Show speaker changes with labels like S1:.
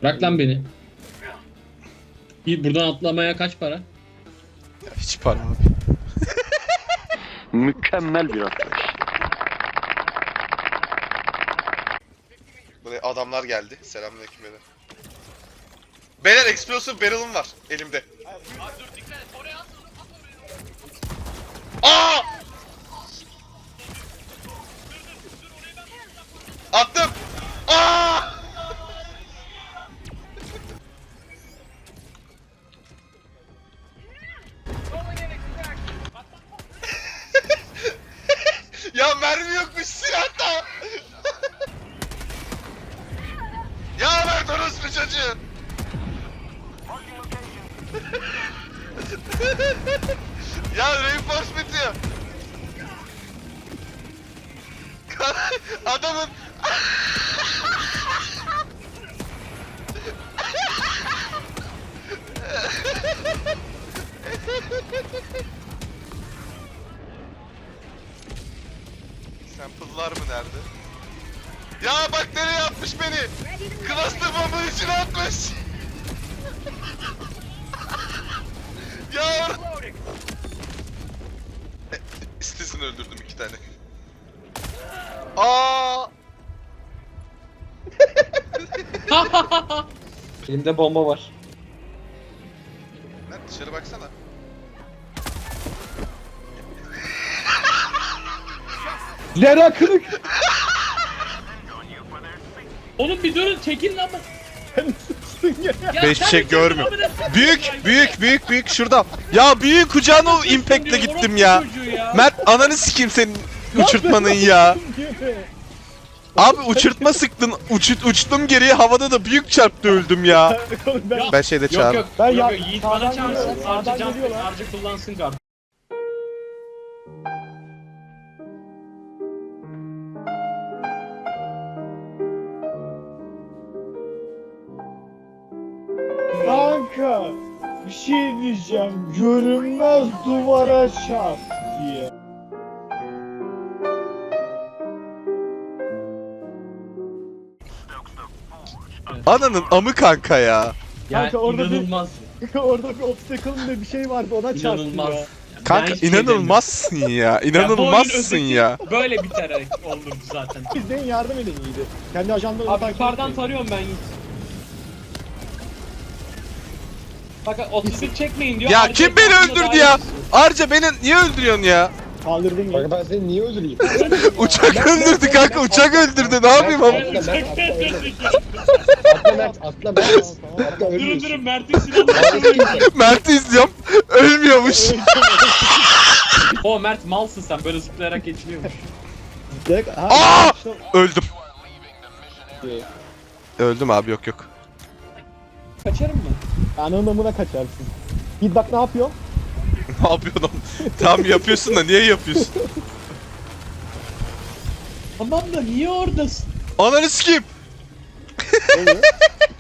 S1: Bırak lan beni. Buradan atlamaya kaç para?
S2: Ya hiç para abi.
S3: Mükemmel bir atlayış.
S2: Buraya adamlar geldi. Selamünaleyküm beyler. Beyler explosive barrel'ım var elimde. Aa! Attım. Aa! Ya mermi yokmuş silahta. Ya Mert orospu çocuğu. Ya reinforcement bitiyor. Adamın sample'lar mı nerede? Ya bak nereye atmış beni? Cluster bombanın içine atmış. Ya İstesini öldürdüm 2 tane. Aa!
S4: Elimde bomba var.
S2: Lan dışarı baksana.
S4: Zera kırık.
S1: Oğlum bir durun çekin lan. Ya
S2: Ben hiçbir
S1: sen
S2: şey
S1: bir çekin
S2: görmüyorum.
S1: amına-
S2: Büyük şurada. Ya büyük kucağına o impact'le
S1: Diyor,
S2: gittim
S1: orospu
S2: ya.
S1: çocuğu ya.
S2: Mert ananı sikeyim senin uçurtmanın ya. Abi uçurtma sıktın. Uçtum geriye havada da büyük çarptı öldüm ya. Ben şeyde
S1: Yok
S2: çağır.
S1: yok.
S4: Ben
S1: yok,
S4: ya-
S1: yok. Yiğit
S4: sağdan
S1: bana çağırsın.
S4: geliyorlar,
S1: Harcı
S4: sağdan
S1: can
S4: geliyorlar.
S1: harcı kullansın kart.
S4: Kanka bir şey diyeceğim. Görünmez duvara çarp diye.
S2: Ananın amı kanka ya.
S1: Ya
S4: Kanka orada bir-
S1: inanılmaz.
S4: Orada bir obstacle ve bir şey vardı ona çarptı
S1: İnanılmaz.
S4: ya.
S2: Kanka
S1: Ben hiçbir şey
S2: inanılmazsın ya.
S1: demiyorum. Ya bu
S2: İnanılmazsın
S1: oyun
S2: ya.
S1: özeti Böyle biterek olurdu zaten.
S4: İzleyin yardım edin iyiydi. Kendi ajanlarını
S1: Abi yukarıdan tarıyorum ben Yiğit. Bak 31 çekmeyin diyor.
S2: Ya
S1: Harcı
S2: kim beni
S1: etrafında
S2: öldürdü
S1: daha
S2: ya?
S1: iyi.
S2: Arca beni niye öldürüyorsun ya?
S4: Kaldırdım ya.
S5: Bak ben seni niye öldüreyim?
S2: Uçak öldürdü kanka uçak öldürdü ne yapayım ama?
S1: Evet, çekmeyin dedik ya.
S5: Atla Mert, atla Mert. Atla
S1: Durun
S5: ölmüyorsun.
S1: durun Mert'in silahını
S2: Mert'i izliyorum. Ölmüyormuş.
S1: O Mert malsın sen böyle zıplayarak geçiliyormuş.
S4: Direkt,
S2: Aa! Öldüm. Öldüm abi yok yok.
S1: Kaçarım mı?
S4: Ananın amına kaçarsın. Git bak ne yapıyor?
S2: Ne yapıyorsun oğlum? Tamam yapıyorsun da niye yapıyorsun?
S1: Tamam da niye oradasın?
S2: Ananı sikeyim.